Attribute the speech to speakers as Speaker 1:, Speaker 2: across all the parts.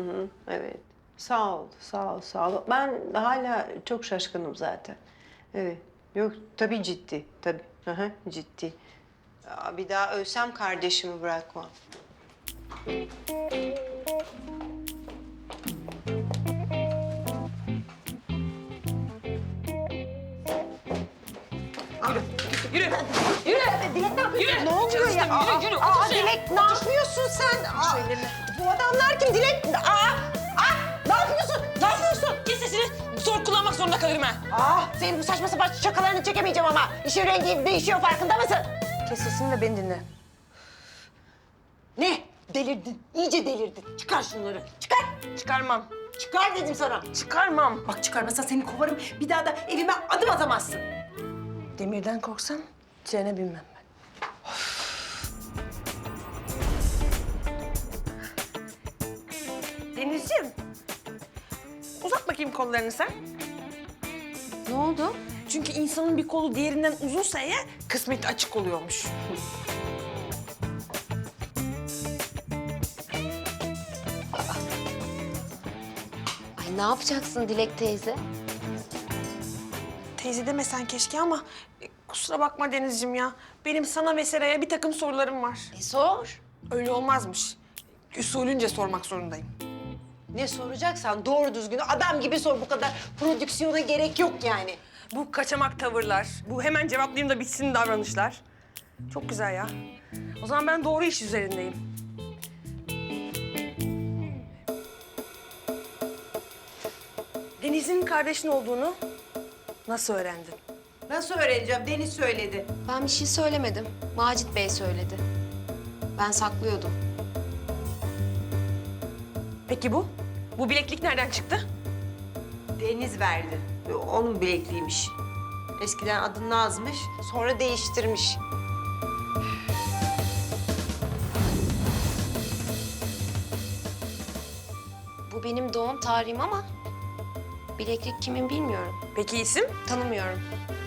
Speaker 1: hı, evet. Sağ ol, sağ ol, sağ ol. Ben hala çok şaşkınım zaten. Evet. Yok, tabii ciddi, tabii. Hı hı, ciddi. Bir daha ölsem kardeşimi bırakmam.
Speaker 2: Yürü. Yürü.
Speaker 1: Dilek ne yapıyorsun?
Speaker 2: Yürü.
Speaker 1: Ne oluyor ya?
Speaker 2: Çalıştım, yürü. Otur şuraya.
Speaker 1: Dilek ne yapıyorsun sen? Bu adamlar kim Dilek? Ne yapıyorsun? Ne yapıyorsun?
Speaker 2: Kes sesini. Zor kullanmak zorunda kalırım ha.
Speaker 1: Senin bu saçma sapan şakalarını çekemeyeceğim ama. İşin rengi değişiyor, farkında mısın?
Speaker 2: Kes sesini de beni dinle.
Speaker 1: Ne? Delirdin, iyice delirdin. Çıkar şunları, çıkar.
Speaker 2: Çıkarmam.
Speaker 1: Çıkar dedim sana.
Speaker 2: Çıkarmam.
Speaker 1: Bak çıkarmazsan seni kovarım. Bir daha da evime adım atamazsın.
Speaker 2: Demirden korksam trene binmem ben. Denizciğim. Uzat bakayım kollarını sen.
Speaker 3: Ne oldu?
Speaker 2: Çünkü insanın bir kolu diğerinden uzunsa eğer kısmeti açık oluyormuş.
Speaker 3: Ay ne yapacaksın Dilek teyze?
Speaker 2: Teyze demesen keşke ama kusura bakma Denizciğim ya. Benim sana ve Seray'a bir takım sorularım var.
Speaker 3: Sor.
Speaker 2: Öyle olmazmış. Usulünce sormak zorundayım.
Speaker 1: Ne soracaksan doğru düzgün adam gibi sor. Bu kadar prodüksiyona gerek yok yani.
Speaker 2: Bu kaçamak tavırlar, bu hemen cevaplayayım da bitsin davranışlar. Çok güzel ya. O zaman ben doğru iş üzerindeyim. Deniz'in kardeşin olduğunu nasıl öğrendin?
Speaker 1: Nasıl öğreneceğim? Deniz söyledi.
Speaker 3: Ben bir şey söylemedim. Macit Bey söyledi. Ben saklıyordum.
Speaker 2: Peki bu? Bu bileklik nereden çıktı?
Speaker 1: Deniz verdi. Onun bilekliğiymiş. Eskiden adı Naz'mış, sonra değiştirmiş.
Speaker 3: Bu benim doğum tarihim ama bileklik kimin bilmiyorum.
Speaker 2: Peki isim?
Speaker 3: Tanımıyorum.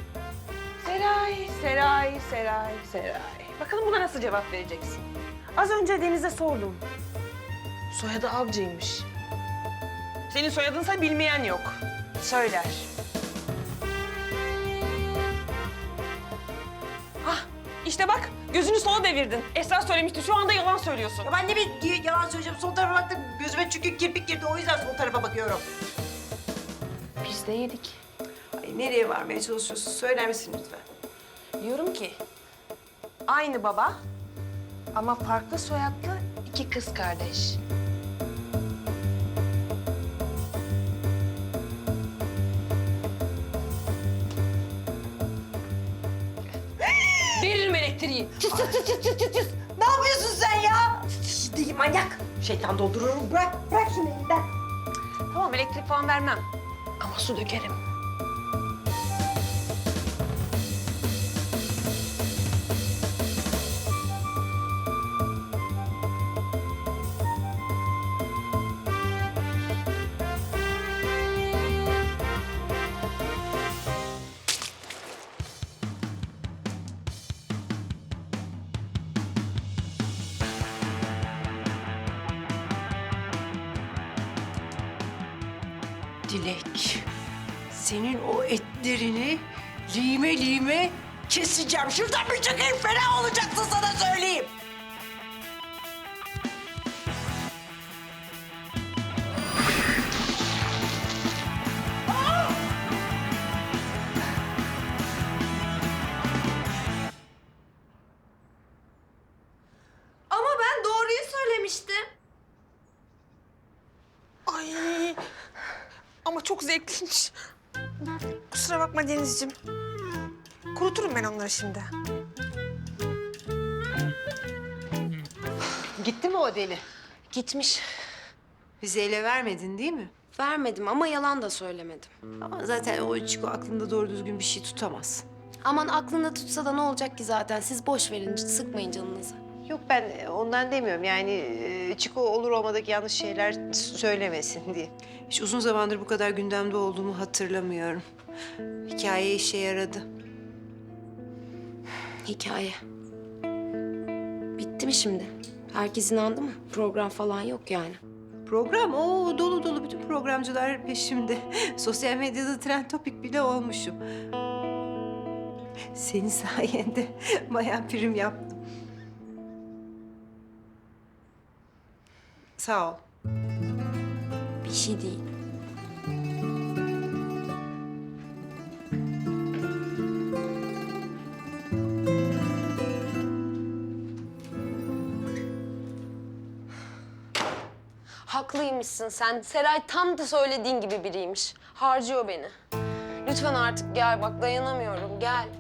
Speaker 2: Seray. Bakalım buna nasıl cevap vereceksin? Az önce Deniz'e sordum. Soyadı Avcı'ymış. Senin soyadınsa bilmeyen yok. Söyler. Ah, işte bak gözünü sola devirdin. Esra söylemişti, şu anda yalan söylüyorsun.
Speaker 1: Ya ben ne bir yalan söyleyeceğim. Sol tarafa baktım, gözüme çünkü kirpik girdi. O yüzden sol tarafa bakıyorum.
Speaker 3: Biz de yedik.
Speaker 1: Ay, nereye varmaya çalışıyorsun? Söyler misin lütfen?
Speaker 2: Diyorum ki aynı baba ama farklı soyadlı iki kız kardeş. Veririm elektriği.
Speaker 1: Ne yapıyorsun sen ya? Değil manyak. Şeytan doldururum. Bırak şunu elinden.
Speaker 2: Tamam elektrik falan vermem ama su dökerim.
Speaker 1: Dilek, senin o etlerini lime lime keseceğim. Şuradan bir çıkayım, fena olacaksın sana söyleyeyim.
Speaker 3: Ama ben doğruyu söylemiştim.
Speaker 2: Ay ama çok zevkliymiş. Kusura bakma Denizciğim. Kuruturum ben onları şimdi.
Speaker 1: Gitti mi o deli?
Speaker 3: Gitmiş.
Speaker 1: Bize ele vermedin değil mi?
Speaker 3: Vermedim ama yalan da söylemedim.
Speaker 1: Ama zaten o Çiko aklında doğru düzgün bir şey tutamaz.
Speaker 3: Aman aklında tutsa da ne olacak ki zaten? Siz boş verin, sıkmayın canınızı.
Speaker 1: Yok ben ondan demiyorum yani Çiko olur olmadık yanlış şeyler söylemesin diye. Hiç uzun zamandır bu kadar gündemde olduğumu hatırlamıyorum. Hikaye işe yaradı.
Speaker 3: Hikaye. Bitti mi şimdi? Herkes inandı mı? Program falan yok yani.
Speaker 1: Program o dolu dolu, bütün programcılar peşimde. Sosyal medyada trend topik bile olmuşum. Senin sayende bayağı prim yaptım. Sağ ol.
Speaker 3: Bir şey değil. Haklıymışsın sen. Seray tam da söylediğin gibi biriymiş. Harcıyor beni. Lütfen artık gel bak, dayanamıyorum, gel.